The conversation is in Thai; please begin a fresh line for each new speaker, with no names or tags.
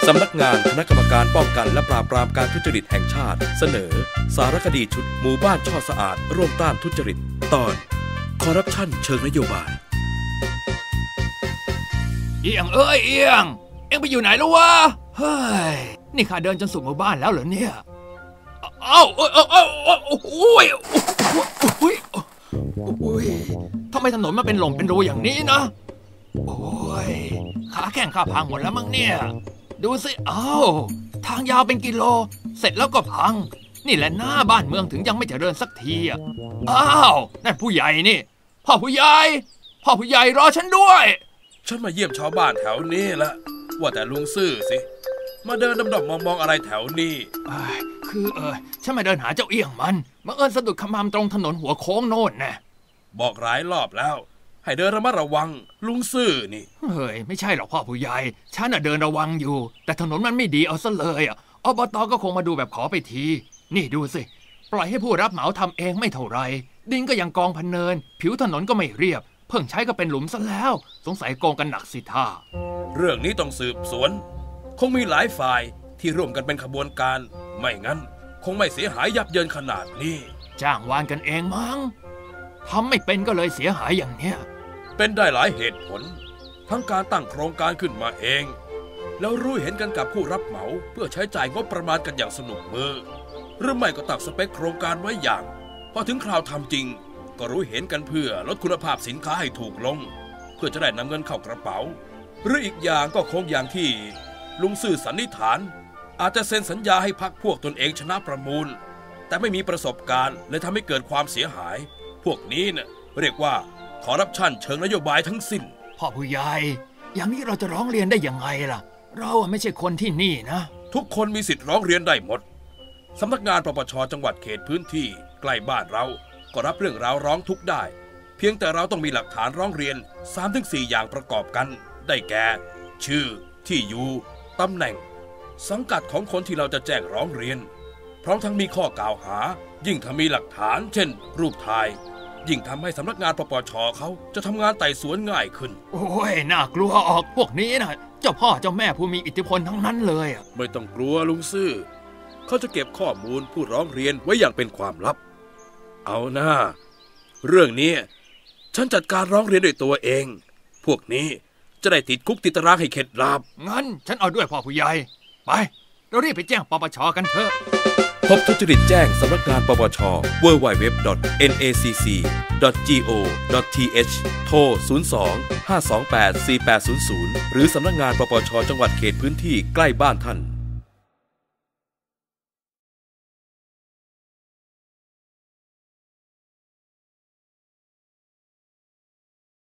สำนักงานคณะกรรมการป้องกันและปราบปรามการทุจริตแห่งชาติเสนอสารคดีชุดหมู่บ้านช่อสะอาดร่วมต้านทุจริตตอนคอร์รัปชันเชิงนโยบาย
เอียงเอียงเอ็งไปอยู่ไหนแล้ววะเฮ้ยนี่ข้าเดินจนสู่หมู่บ้านแล้วเหรอเนี่ยโอ้ยทำไมถนนมันเป็นหล่มเป็นรูอย่างนี้นะโอ้ยขาแข้งข้าพังหมดแล้วมั้งเนี่ยดูสิทางยาวเป็นกิโลเสร็จแล้วก็พังนี่แหละหน้าบ้านเมืองถึงยังไม่เจริญสักทีนั่นผู้ใหญ่นี่พ่อผู้ใหญ่รอฉันด้วย
ฉันมาเยี่ยมชาวบ้านแถวนี้ละว่าแต่ลุงซื่อสิมาเดินดำๆมองอะไรแถวนี้
คือฉันมาเดินหาเจ้าเอี้ยงมันมาสะดุดขมามตรงถนนหัวโค้งโน่นนะ
บอกหลายรอบแล้วให้เดินระมัดระวังลุงซื่อนี่
เฮ้ยไม่ใช่หรอกพ่อผู้ใหญ่ฉันเดินระวังอยู่แต่ถนนมันไม่ดีเอาซะเลยอบต.ก็คงมาดูแบบขอไปทีนี่ดูสิปล่อยให้ผู้รับเหมาทำเองไม่เท่าไรดินก็ยังกองพันเนินผิวถนนก็ไม่เรียบเพิ่งใช้ก็เป็นหลุมซะแล้วสงสัยโกงกันหนักสิท่า
เรื่องนี้ต้องสืบสวนคงมีหลายฝ่ายที่ร่วมกันเป็นขบวนการไม่งั้นคงไม่เสียหายยับเยินขนาดนี้
จ้างวานกันเองมั้งทำไม่เป็นก็เลยเสียหายอย่างเนี้ย
เป็นได้หลายเหตุผลทั้งการตั้งโครงการขึ้นมาเองแล้วรู้เห็นกันกับผู้รับเหมาเพื่อใช้จ่ายงบประมาณกันอย่างสนุกมือหรือไม่ก็ตั้งสเปคโครงการไว้อย่างพอถึงคราวทำจริงก็รู้เห็นกันเพื่อลดคุณภาพสินค้าให้ถูกลงเพื่อจะได้นำเงินเข้ากระเป๋าหรืออีกอย่างก็คงอย่างที่ลุงซื่อสันนิษฐานอาจจะเซ็นสัญญาให้พรรคพวกตนเองชนะประมูลแต่ไม่มีประสบการณ์เลยทำให้เกิดความเสียหายพวกนี้เนี่ยเรียกว่าคอร์รัปชันเชิงนโยบายทั้งสิ้น
พ่อผู้ใหญ่อย่างนี้เราจะร้องเรียนได้ยังไงล่ะเราไม่ใช่คนที่นี่นะ
ทุกคนมีสิทธิ์ร้องเรียนได้หมดสำนักงานปปช.จังหวัดเขตพื้นที่ใกล้บ้านเราก็รับเรื่องราวร้องทุกข์ได้เพียงแต่เราต้องมีหลักฐานร้องเรียน 3-4 อย่างประกอบกันได้แก่ชื่อที่อยู่ตำแหน่งสังกัดของคนที่เราจะแจ้งร้องเรียนพร้อมทั้งมีข้อกล่าวหายิ่งถ้ามีหลักฐานเช่นรูปถ่ายยิ่งทำให้สำนักงานปปช.เขาจะทำงานไต่สวนง่ายขึ้น
โอ้ยน่ากลัวออกพวกนี้นะเจ้าพ่อเจ้าแม่ผู้มีอิทธิพลทั้งนั้นเลย
ไม่ต้องกลัวลุงซื่อเขาจะเก็บข้อมูลผู้ร้องเรียนไว้อย่างเป็นความลับเอาหน้าเรื่องนี้ฉันจัดการร้องเรียนด้วยตัวเองพวกนี้จะได้ติดคุกติดตารางให้เข็ดหลาบ
งั้นฉันเอาด้วยพ่อผู้ใหญ่ไปเรารีบไปแจ้งปปช.กันเถอะ
พบทุจริตแจ้งสำนักงานปปช www.nacc.go.th โทร 02-528-4800 หรือสำนักงานปปช.จังหวัดเขตพื้นที่ใกล้บ้านท่าน